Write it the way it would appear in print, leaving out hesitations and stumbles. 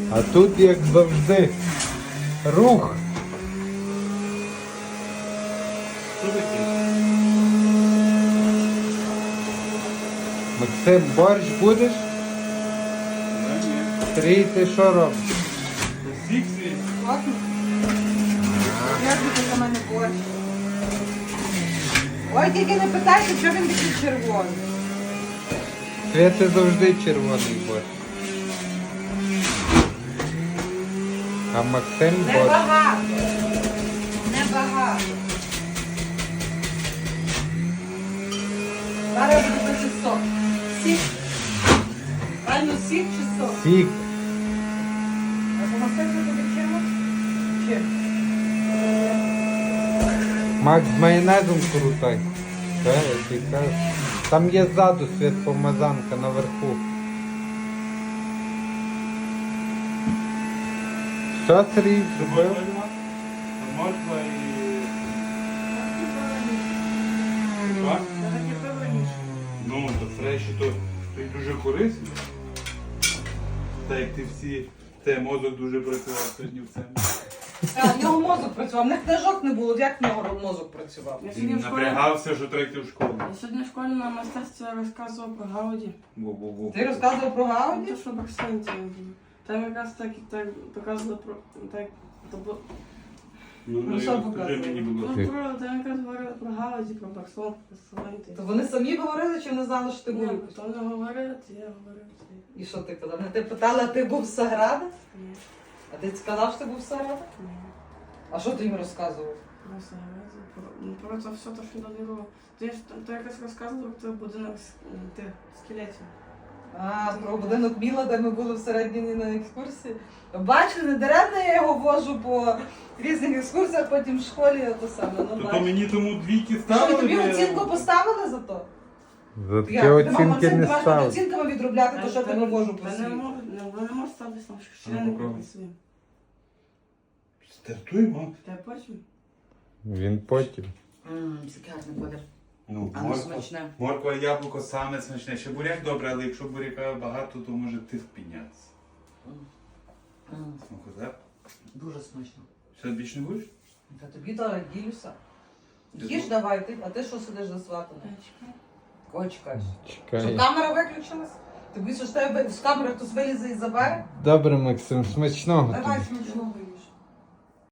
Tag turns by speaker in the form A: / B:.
A: А тут, як завжди, рух. Максим, борщ будеш? Стрій, ти що робиш?
B: Ладно. Як буде за мене борщ? Ой, тільки не питайте, що він такий червоний.
A: Світи завжди червоний борщ. А Максим борщ.
B: Небагато. Небагато. Зараз буде пити сок. Сік. Правильно, сік чи сок?
A: Сік.
B: А помастити тобі чимось? Чим?
A: Макс, з майонезом крутай. Та, я тобі кажу. Там є ззаду світ помазанка наверху. Що, Сергій, зробив?
C: Морква і...
B: Так і пив раніше.
C: Ну, то фреші, то й дуже корисно. Так як ти всі, те мозок дуже працював сьогодні в цьому.
B: В нього мозок працював, в них книжок не було, як в нього мозок працював?
D: Я сьогодні
C: Він
D: в школі,
C: напрягався, що третій в школу.
D: я сьогодні в школі на мистецтві розказував про Гауді.
C: Бу-бу-бу.
B: Ти розказував про
D: Ну,
B: Гауді?
D: то, що Барсенці було. Там якраз так показували про... Так, то було...
C: Ну,
B: що
C: скажи
B: показує?
C: мені, будь
D: Ну,
C: ласка.
D: там якраз говорили про Гауді, про Барсон, про Савенти.
B: То вони самі говорили, чи не знали, що ти був?
D: Ні, то не говорили, то я говорив.
B: І що ти казав? Не ти питала, а ти був з Сагради?
D: Ні,
B: А ти сказав, що ти був з Сагради?
D: ні.
B: А що ти їм розказував?
D: Про Саграді, про це все, то, що додивило. То якось розказував про будинок тих скелетів.
B: А, про будинок Міла, де ми були всередині на екскурсії. Бачили, не даремно я його вожу по різних екскурсіях, потім в школі то саме. Ну,
C: То
B: бачиш.
C: мені тому двійки
B: Що,
C: ставили?
B: тобі
C: бо я-
B: оцінку поставили за то?
A: За такі
B: Як? Ти,
A: оцінки
B: Максим,
A: не
B: ти маєш під
A: став.
B: оцінками відробляти, то що ти не вожу по
D: Та не
B: світу.
D: можу ставити там, що
C: Ну,
D: я не
C: попробуй.
D: працюю.
C: Стартуємо.
D: Та потім.
A: Він потім.
B: Сікарний колір.
C: Ну,
B: А ну смачне.
C: морква і яблуко саме смачне. Ще буряк добре, але якщо буряка багато, то може тиск піднятися. Ну, так?
B: Дуже смачно.
C: Все, більше не будеш?
B: Та тобі то ділюся.
C: Ти
B: Їж
C: що?
B: давай, а ти що сидиш за сватами? Кого чекаєш? Що
A: Чекай.
B: камера виключилась? Ти боїшся, що тебе з камери хтось вилізе і забере?
A: Добре, Максим, смачного
B: Давай
A: тобі.
B: смачного їж.